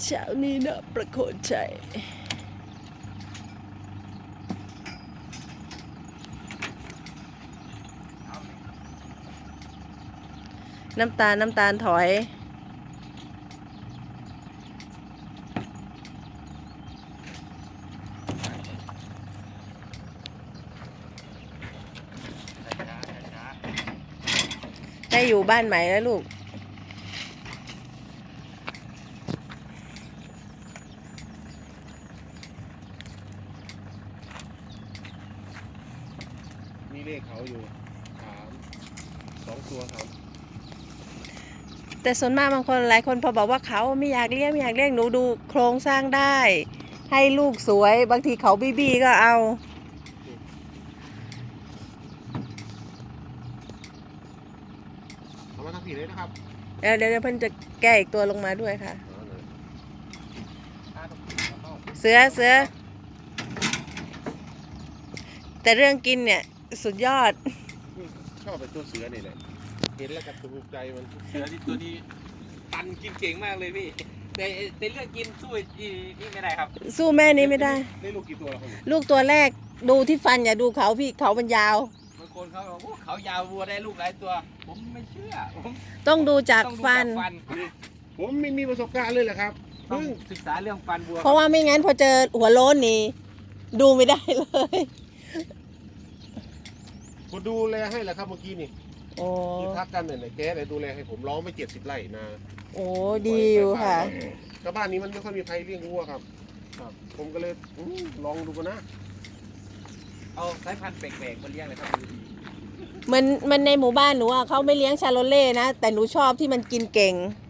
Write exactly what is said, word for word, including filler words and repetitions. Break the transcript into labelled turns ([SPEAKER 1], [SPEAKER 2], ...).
[SPEAKER 1] เช้านี้นะประโคนชัยน้ำตาลน้ำตาลถอยได้อยู่บ้านใหม่แล้วลูก
[SPEAKER 2] มีเลขเขาอยู่สามสองตัวครับ
[SPEAKER 1] แต่ส่วนมากบางคนหลายคนพอบอกว่าเขาไม่อยากเลี้ยงไม่อยากเลี้ยงหนูดูโครงสร้างได้ให้ลูกสวยบางทีเขาบี้บี้ก็เอา
[SPEAKER 2] เอามาทำผิดเลยนะครับ
[SPEAKER 1] เดี๋ยวเดี๋ยวเพิ่นจะแก้อีกตัวลงมาด้วยค่ะเสือเสือแต่เรื่องกินเนี่ยสุดยอด
[SPEAKER 2] ชอบเป็นตัวเสือนี่แหละเห็นแล้วกับถูกใจมันเสือที่ตัวนี้ตันกินเก่งมากเลยพี่แต่แต่เรื่องกินสู้นี่ไม่ได้ครับ
[SPEAKER 1] สู้แม่นี้ไม่ได้
[SPEAKER 2] ได้ลูกกี่ตัวแล้วครับ
[SPEAKER 1] ลูกตัวแรกดูที่ฟันอย่าดูเขาพี่เขามันยาว
[SPEAKER 2] บางคนเขาบอกว่าเขายาววัวได้ลูกหลายตัวผมไม่เชื่อผม
[SPEAKER 1] ต้องดูจากฟัน
[SPEAKER 2] ผมไม่มีประสบการณ์เลยแหละครับเพิ่งศึกษาเรื่องฟันวัว
[SPEAKER 1] เพราะว่าไม่งั้นพอเจอหัวโล้นนี่ดูไม่ได้เลย
[SPEAKER 2] ผมดูแลให้แหละครับเมื่อกี้นี่
[SPEAKER 1] โอ้
[SPEAKER 2] ที่ทักกันเนี่ยแกเลยดูแลให้ผมร้องไปเจ็ดสิบไร่นะ
[SPEAKER 1] โอ้ดีอยู่ค่ะ
[SPEAKER 2] ก็บ้านนี้มันไม่ค่อยมีใครเลี้ยงวัวครับครับผมก็เลยลองดูกันนะเอาสายพันธุ์แปลกๆมาเลี้ยงเลยครับ
[SPEAKER 1] มันมันในหมู่บ้านหนูอ่ะเขาไม่เลี้ยงชาโลเล่นะแต่หนูชอบที่มันกินเก่ง